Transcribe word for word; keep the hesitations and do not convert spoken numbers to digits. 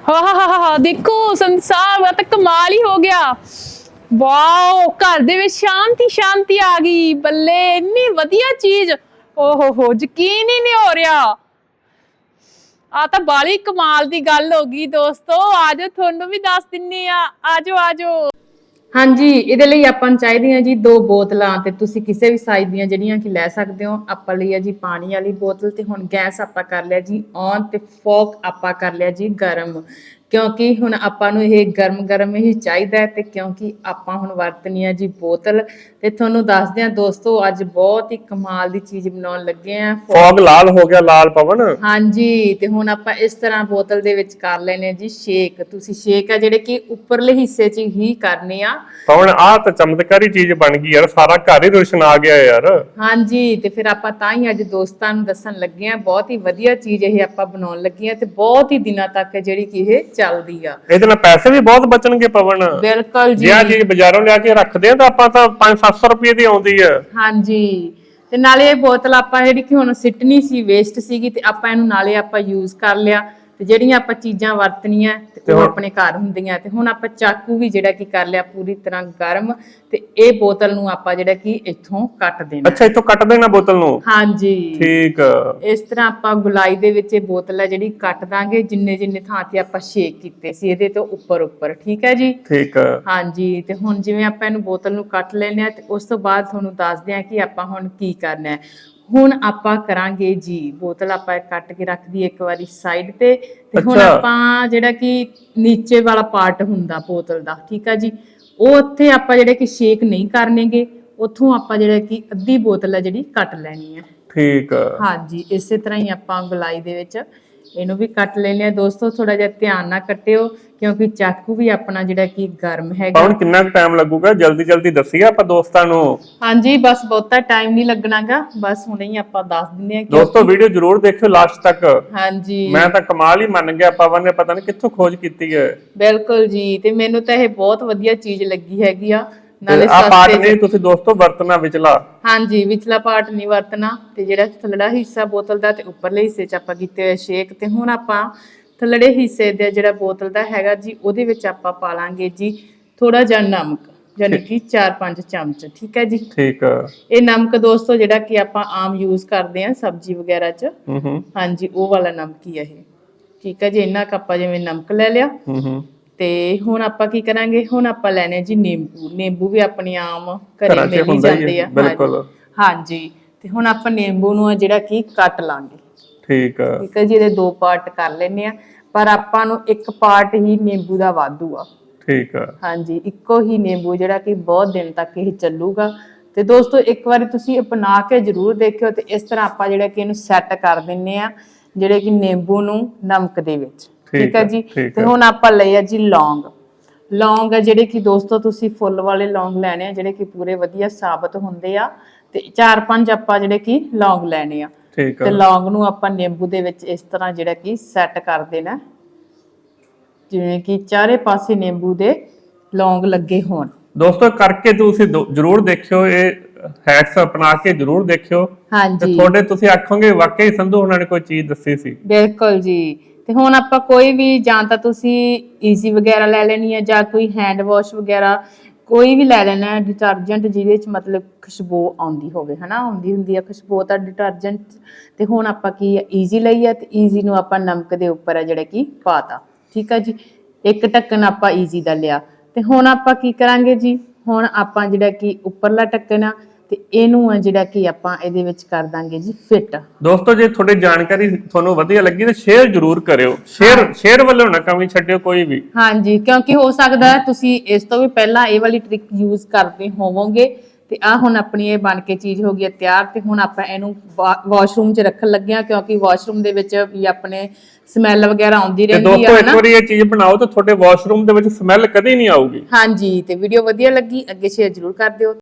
ਹਾਂ ਦੇਖੋ ਸੰਸਾਰ ਦਾ ਤਾਂ ਕਮਾਲ ਹੀ ਹੋ ਗਿਆ। ਵਾਓ, ਘਰ ਦੇ ਵਿੱਚ ਸ਼ਾਂਤੀ ਸ਼ਾਂਤੀ ਆ ਗਈ। ਬੱਲੇ, ਇੰਨੀ ਵਧੀਆ ਚੀਜ਼। ਓਹੋ ਹੋ, ਯਕੀਨ ਹੀ ਨਹੀਂ ਹੋ ਰਿਹਾ। ਆ ਤਾਂ ਬਾਲੀ ਕਮਾਲ ਦੀ ਗੱਲ ਹੋ ਗਈ ਦੋਸਤੋ। ਆਜੋ ਤੁਹਾਨੂੰ ਵੀ ਦੱਸ ਦਿੰਨੀ ਆ। ਆਜੋ ਆਜੋ। ਹਾਂਜੀ, ਇਹਦੇ ਲਈ ਆਪਾਂ ਨੂੰ ਚਾਹੀਦੀਆਂ ਜੀ ਦੋ ਬੋਤਲਾਂ ਤੇ ਤੁਸੀਂ ਕਿਸੇ ਵੀ ਸਾਈਜ਼ ਦੀਆਂ ਜਿਹੜੀਆਂ ਕਿ ਲੈ ਸਕਦੇ ਹੋ। ਆਪਾਂ ਲਈ ਆ ਜੀ ਪਾਣੀ ਵਾਲੀ ਬੋਤਲ ਤੇ ਹੁਣ ਗੈਸ ਆਪਾਂ ਕਰ ਲਿਆ ਜੀ ਔਨ ਤੇ ਫੋਕ ਆਪਾਂ ਕਰ ਲਿਆ ਜੀ ਗਰਮ, ਕਿਉਂਕਿ ਹੁਣ ਆਪਾਂ ਨੂੰ ਇਹ ਗਰਮ ਗਰਮ ਹੀ ਚਾਹੀਦਾ ਹੈ। ਤੇ ਕਿਉਂਕਿ ਆਪਾਂ ਹੁਣ ਵਰਤਣੀ ਆ ਜੀ ਬੋਤਲ ਤੇ ਤੁਹਾਨੂੰ ਦੱਸਦੇ ਆ ਦੋਸਤੋ, ਅੱਜ ਬਹੁਤ ਹੀ ਕਮਾਲ ਦੀ ਚੀਜ਼ ਬਣਾਉਣ ਲੱਗੇ ਆ। ਫੋਗ ਲਾਲ ਹੋ ਗਿਆ, ਲਾਲ ਪਵਨ। ਹਾਂਜੀ, ਤੇ ਹੁਣ ਆਪਾਂ ਇਸ ਤਰ੍ਹਾਂ ਬੋਤਲ ਦੇ ਵਿੱਚ ਕਰ ਲੈਣੇ ਜੀ ਸ਼ੇਕ। ਤੁਸੀਂ ਸ਼ੇਕ ਆ ਜਿਹੜੇ ਕਿ ਉੱਪਰਲੇ ਹਿੱਸੇ 'ਚ ਹੀ ਕਰਨੇ ਆ। ਪਵਨ, ਆਹ ਤਾਂ ਚਮਤਕਾਰੀ ਚੀਜ਼ ਬਣ ਗਈ ਯਾਰ, ਸਾਰਾ ਘਰ ਹੀ ਰੋਸ਼ਨ ਆ ਗਿਆ ਯਾਰ। ਹਾਂਜੀ, ਤੇ ਫਿਰ ਆਪਾਂ ਤਾਂ ਹੀ ਅੱਜ ਦੋਸਤਾਂ ਨੂੰ ਦੱਸਣ ਲੱਗੇ ਆ। ਬਹੁਤ ਹੀ ਵਧੀਆ ਚੀਜ਼ ਇਹ ਆਪਾਂ ਬਣਾਉਣ ਲੱਗੇ ਆ ਤੇ ਬਹੁਤ ਹੀ ਦਿਨਾਂ ਤੱਕ ਜਿਹੜੀ ਕਿ ਇਹ ਚੱਲਦੀ ਆ। ਇਹਦੇ ਨਾਲ ਪੈਸੇ ਵੀ ਬਹੁਤ ਬਚਣਗੇ ਪਵਨ। ਬਿਲਕੁਲ ਜੀ। ਜੇ ਆ ਚੀਜ਼ ਬਾਜ਼ਾਰੋਂ ਲਿਆ ਕੇ ਰੱਖਦੇ ਆ ਤਾਂ ਆਪਾਂ ਤਾਂ ਪੰਜ ਸੱਤ ਸੌ ਰੁਪਏ ਦੀ ਆਉਂਦੀ ਆ। ਹਾਂਜੀ, ਤੇ ਨਾਲੇ ਇਹ ਬੋਤਲ ਆਪਾਂ ਜਿਹੜੀ ਕਿ ਹੁਣ ਸਿੱਟਣੀ ਸੀ, ਵੇਸਟ ਸੀਗੀ, ਤੇ ਆਪਾਂ ਇਹਨੂੰ ਨਾਲੇ ਆਪਾਂ ਯੂਜ਼ ਕਰ ਲਿਆ। ਤੇ ਜਿਹੜੀਆਂ ਆਪਾਂ ਚੀਜ਼ਾਂ ਵਰਤਣੀਆਂ ਤੇ ਉਹ ਆਪਣੇ ਘਰ ਹੁੰਦੀਆਂ। ਤੇ ਹੁਣ ਆਪਾਂ ਚਾਕੂ ਵੀ ਜਿਹੜਾ ਕਿ ਕਰ ਲਿਆ ਪੂਰੀ ਤਰ੍ਹਾਂ ਗਰਮ, ਤੇ ਇਹ ਬੋਤਲ ਨੂੰ ਆਪਾਂ ਜਿਹੜਾ ਕਿ ਇੱਥੋਂ ਕੱਟ ਦੇਣਾ। ਅੱਛਾ, ਇੱਥੋਂ ਕੱਟ ਦੇਣਾ ਬੋਤਲ ਨੂੰ। ਹਾਂਜੀ, ਠੀਕ। ਇਸ ਤਰ੍ਹਾਂ ਆਪਾਂ ਗੁਲਾਈ ਦੇ ਵਿੱਚ ਇਹ ਬੋਤਲ ਹੈ ਜਿਹੜੀ ਕੱਟ ਦਾਂਗੇ, ਜਿੰਨੇ ਜਿੰਨੇ ਥਾਂ ਤੇ ਆਪਾਂ ਸ਼ੇਕ ਕੀਤੇ ਸੀ ਇਹਦੇ ਤੋਂ ਉੱਪਰ ਉੱਪਰ। ਠੀਕ ਹੈ ਜੀ। ਠੀਕ। ਹਾਂਜੀ, ਤੇ ਹੁਣ ਜਿਵੇਂ ਆਪਾਂ ਇਹਨੂੰ ਬੋਤਲ ਨੂੰ ਕੱਟ ਲੈਣੇ ਆ ਤੇ ਉਸ ਤੋਂ ਬਾਅਦ ਤੁਹਾਨੂੰ ਦੱਸਦੇ ਆ ਕਿ ਆਪਾਂ ਹੁਣ ਕੀ ਕਰਨਾ ਹੈ। ਹੁਣ ਆਪਾਂ ਕਰਾਂਗੇ ਜੀ, ਬੋਤਲ ਆਪਾਂ ਕੱਟ ਕੇ ਰੱਖ ਦਈਏ ਇੱਕ ਵਾਰੀ ਸਾਈਡ ਤੇ। ਤੇ ਹੁਣ ਆਪਾਂ ਜਿਹੜਾ ਕਿ ਨੀਚੇ ਵਾਲਾ ਪਾਰਟ ਹੁੰਦਾ ਬੋਤਲ ਦਾ, ਠੀਕ ਆ ਜੀ, ਉਹ ਉੱਥੇ ਆਪਾਂ ਜਿਹੜੇ ਕਿ ਸ਼ੇਕ ਨਹੀਂ ਕਰਨੇਗੇ। ਉੱਥੋਂ ਆਪਾਂ ਜਿਹੜਾ ਕਿ ਅੱਧੀ ਬੋਤਲ ਹੈ ਜਿਹੜੀ ਕੱਟ ਲੈਣੀ ਹੈ। ਠੀਕ। ਹਾਂਜੀ, ਇਸੇ ਤਰ੍ਹਾਂ ਹੀ ਆਪਾਂ ਗੁਲਾਈ ਦੇ ਵਿੱਚ ਇਹਨੂੰ ਵੀ ਕੱਟ ਲੈਣੇ ਆ ਦੋਸਤੋ। ਥੋੜਾ ਜਿਹਾ ਧਿਆਨ ਨਾਲ ਕੱਟਿਓ ਕਿਉਂਕਿ ਚਾਕੂ ਵੀ ਆਪਣਾ ਜਿਹੜਾ ਕਿ ਗਰਮ ਹੈਗਾ। ਪਵਨ, ਕਿੰਨਾ ਕੁ ਟਾਈਮ ਲੱਗੂਗਾ? ਜਲਦੀ ਜਲਦੀ ਦੱਸੀਏ ਆਪਾਂ ਦੋਸਤਾਂ ਨੂੰ। ਹਾਂਜੀ, ਬਸ ਬਹੁਤਾ ਟਾਈਮ ਨਹੀਂ ਲੱਗਣਾਗਾ, ਬਸ ਹੁਣੇ ਹੀ ਆਪਾਂ ਦੱਸ ਦਿੰਦੇ ਆ। ਦੋਸਤੋ, ਵੀਡੀਓ ਜ਼ਰੂਰ ਦੇਖਿਓ ਲਾਸਟ ਤੱਕ। ਹਾਂਜੀ, ਮੈਂ ਤਾਂ ਕਮਾਲ ਹੀ ਮੰਨ ਗਿਆ, ਪਵਨ ਨੇ ਪਤਾ ਨਹੀਂ ਕਿੱਥੋਂ ਖੋਜ ਕੀਤੀ ਹੈ। ਬਿਲਕੁਲ ਜੀ, ਤੇ ਮੈਨੂੰ ਤਾਂ ਇਹ ਬਹੁਤ ਵਧੀਆ ਚੀਜ਼ ਲੱਗੀ ਹੈਗੀ ਆ। ਨਾਲੇ ਆ ਪਾਰਟ ਸਸਤੇ ਨਹੀਂ ਤੁਸੀਂ ਦੋਸਤੋ ਵਰਤਣਾ ਵਿਚਲਾ। ਹਾਂਜੀ, ਵਿਚਲਾ ਪਾਰਟ ਨਹੀਂ ਵਰਤਣਾ। ਤੇ ਜਿਹੜਾ ਥੱਲੜਾ ਹਿੱਸਾ ਬੋਤਲ ਦਾ ਤੇ ਉੱਪਰਲੇ ਹਿੱਸੇ 'ਚ ਆਪਾਂ ਕੀਤੇ ਹੋਏ ਸ਼ੇਕ। ਤੇ ਹੁਣ ਆਪਾਂ ਥੱਲੜੇ ਹਿੱਸੇ ਦੇ ਜਿਹੜਾ ਬੋਤਲ ਦਾ ਹੈਗਾ ਜੀ, ਉਹਦੇ ਵਿੱਚ ਆਪਾਂ ਪਾ ਲਾਂਗੇ ਜੀ ਥੋੜਾ ਜਿਹਾ ਨਮਕ, ਯਾਨੀ ਕਿ ਚਾਰ ਪੰਜ ਚਮਚ। ਠੀਕ ਹੈ ਜੀ। ਠੀਕ। ਇਹ ਨਮਕ ਦੋਸਤੋ ਜਿਹੜਾ ਕਿ ਆਪਾਂ ਆਮ ਯੂਜ਼ ਕਰਦੇ ਆ ਸਬਜ਼ੀ ਵਗੈਰਾ 'ਚ। ਹੂੰ ਹੂੰ। ਹਾਂਜੀ, ਉਹ ਵਾਲਾ ਨਮਕ ਹੀ ਆ ਇਹ। ਠੀਕ ਹੈ ਜੀ, ਇੰਨਾ ਕੁ ਆਪਾਂ ਜਿਵੇਂ ਨਮਕ ਲੈ ਲਿਆ। ਹੂੰ ਹੂੰ। ਤੇ ਹੁਣ ਆਪਾਂ ਕੀ ਕਰਾਂਗੇ, ਹੁਣ ਆਪਾਂ ਲੈਣੇ ਜੀ ਨਿੰਬੂ। ਨਿੰਬੂ ਵੀ ਆਪਣੀ ਆਮ ਘਰੇ ਮਿਲ ਹੀ ਜਾਂਦੇ ਆ। ਬਿਲਕੁਲ। ਹਾਂਜੀ, ਤੇ ਹੁਣ ਆਪਾਂ ਨਿੰਬੂ ਨੂੰ ਜਿਹੜਾ ਕਿ ਕੱਟ ਲਾਂਗੇ। ਠੀਕ ਆ। ਠੀਕ ਹੈ ਜੀ, ਇਹਦੇ ਦੋ ਪਾਰਟ ਕਰ ਲੈਣੇ ਆ, ਪਰ ਆਪਾਂ ਨੂੰ ਇੱਕ ਪਾਰਟ ਹੀ ਨਿੰਬੂ ਦਾ ਵਾਧੂ ਆ। ਠੀਕ ਆ। ਹਾਂਜੀ, ਇੱਕੋ ਹੀ ਨਿੰਬੂ ਜਿਹੜਾ ਕਿ ਬਹੁਤ ਦਿਨ ਤੱਕ ਇਹ ਚੱਲੂਗਾ। ਤੇ ਦੋਸਤੋ, ਇੱਕ ਵਾਰੀ ਤੁਸੀਂ ਅਪਣਾ ਕੇ ਜ਼ਰੂਰ ਦੇਖਿਓ। ਤੇ ਇਸ ਤਰ੍ਹਾਂ ਆਪਾਂ ਜਿਹੜਾ ਕਿ ਇਹਨੂੰ ਸੈੱਟ ਕਰ ਦਿੰਨੇ ਆ, ਜਿਹੜੇ ਕਿ ਨਿੰਬੂ ਨੂੰ ਨਮਕ ਦੇ ਵਿੱਚ। ਠੀਕ ਹੈ ਜੀ। ਤੇ ਹੁਣ ਆਪਾਂ ਲਏ ਆ ਜੀ ਲੌਂਗ। ਲੌਂਗ ਆ ਜਿਹੜੇ ਕਿ ਦੋਸਤੋ ਤੁਸੀਂ ਫੁੱਲ ਵਾਲੇ ਲੌਂਗ ਲੈਣੇ ਆ, ਜਿਹੜੇ ਕਿ ਪੂਰੇ ਵਧੀਆ ਸਾਬਤ ਹੁੰਦੇ ਆ। ਤੇ ਚਾਰ ਪੰਜ ਆਪਾਂ ਜਿਹੜੇ ਕਿ ਲੌਂਗ ਲੈਣੇ ਆ। ਤੇ ਲੌਂਗ ਨੂੰ ਆਪਾਂ ਨਿੰਬੂ ਦੇ ਵਿੱਚ ਇਸ ਤਰ੍ਹਾਂ ਜਿਹੜਾ ਕਿ ਸੈੱਟ ਕਰ ਦੇਣਾ, ਜਿਵੇਂ ਕਿ ਚਾਰੇ ਪਾਸੇ ਨਿੰਬੂ ਦੇ ਲੌਂਗ ਲੱਗੇ ਹੋਣ। ਦੋਸਤੋ, ਕਰਕੇ ਤੁਸੀਂ ਜਰੂਰ ਦੇਖਿਓ, ਇਹ ਹੈਕਸ ਅਪਣਾ ਕੇ ਜਰੂਰ ਦੇਖਿਓ। ਹਾਂਜੀ, ਤੁਹਾਡੇ ਤੁਸੀਂ ਆਖੋਗੇ ਵਾਕਈ ਸੰਧੂ ਉਹਨਾਂ ਨੇ ਕੋਈ ਚੀਜ਼ ਦੱਸੀ ਸੀ। ਬਿਲਕੁਲ ਜੀ। ਤੇ ਹੁਣ ਆਪਾਂ ਕੋਈ ਵੀ, ਜਾਂ ਤਾਂ ਤੁਸੀਂ ਈਜ਼ੀ ਵਗੈਰਾ ਲੈ ਲੈਣੀ ਹੈ, ਜਾਂ ਕੋਈ ਹੈਂਡ ਵਾਸ਼ ਵਗੈਰਾ ਕੋਈ ਵੀ ਲੈ ਲੈਣਾ ਹੈ, ਡਿਟਰਜੈਂਟ ਜਿਹਦੇ 'ਚ ਮਤਲਬ ਖੁਸ਼ਬੂ ਆਉਂਦੀ ਹੋਵੇ, ਹਨਾ, ਆਉਂਦੀ ਹੁੰਦੀ ਆ ਖੁਸ਼ਬੂ ਤਾਂ ਡਿਟਰਜੈਂਟ। ਤੇ ਹੁਣ ਆਪਾਂ ਕੀ ਈਜ਼ੀ ਲਈ ਆ, ਤੇ ਈਜ਼ੀ ਨੂੰ ਆਪਾਂ ਨਮਕ ਦੇ ਉੱਪਰ ਆ ਜਿਹੜਾ ਕਿ ਪਾਤਾ। ਠੀਕ ਆ ਜੀ, ਇੱਕ ਢੱਕਣ ਆਪਾਂ ਈਜ਼ੀ ਦਾ ਲਿਆ। ਤੇ ਹੁਣ ਆਪਾਂ ਕੀ ਕਰਾਂਗੇ ਜੀ, ਹੁਣ ਆਪਾਂ ਜਿਹੜਾ ਕਿ ਉੱਪਰਲਾ ਢੱਕਣ ਆ ਤੇ ਇਹਨੂੰ ਆ ਜਿਹੜਾ ਕਿ ਆਪਾਂ ਇਹਦੇ ਵਿੱਚ ਕਰ ਦਾਂਗੇ ਜੀ ਫਿੱਟ। ਦੋਸਤੋ, ਜੇ ਤੁਹਾਡੀ ਜਾਣਕਾਰੀ ਤੁਹਾਨੂੰ ਵਧੀਆ ਲੱਗੀ ਤਾਂ ਸ਼ੇਅਰ ਜ਼ਰੂਰ ਕਰਿਓ। ਸ਼ੇਅਰ ਸ਼ੇਅਰ ਵੱਲੋਂ ਨਾ ਕਮੀ ਛੱਡਿਓ ਕੋਈ ਵੀ। ਹਾਂਜੀ, ਕਿਉਂਕਿ ਹੋ ਸਕਦਾ ਤੁਸੀਂ ਇਸ ਤੋਂ ਵੀ ਪਹਿਲਾਂ ਇਹ ਵਾਲੀ ਟ੍ਰਿਕ ਯੂਜ਼ ਕਰਦੇ ਹੋਵੋਗੇ। ਤੇ ਆ ਹੁਣ ਆਪਣੀ ਇਹ ਬਣ ਕੇ ਚੀਜ਼ ਹੋ ਗਈ ਹੈ ਤਿਆਰ। ਤੇ ਹੁਣ ਆਪਾਂ ਇਹਨੂੰ ਵਾਸ਼ਰੂਮ 'ਚ ਰੱਖਣ ਲੱਗੇ ਆ, ਕਿਉਂਕਿ ਵਾਸ਼ਰੂਮ ਦੇ ਵਿੱਚ ਵੀ ਆਪਣੇ ਸਮੈਲ ਵਗੈਰਾ ਆਉਂਦੀ ਰਹਿੰਦੀ ਆ। ਦੋਸਤੋ, ਇੱਕ ਵਾਰੀ ਇਹ ਚੀਜ਼ ਬਣਾਓ ਤਾਂ ਤੁਹਾਡੇ ਵਾਸ਼ਰੂਮ ਦੇ ਵਿੱਚ ਸਮੈਲ ਕਦੇ ਨਹੀਂ ਆਊਗੀ। ਹਾਂਜੀ, ਤੇ ਵੀਡੀਓ ਵਧੀਆ ਲੱਗੀ ਅੱਗੇ ਸ਼ੇਅਰ ਜ਼ਰੂਰ ਕਰ ਦਿਓ।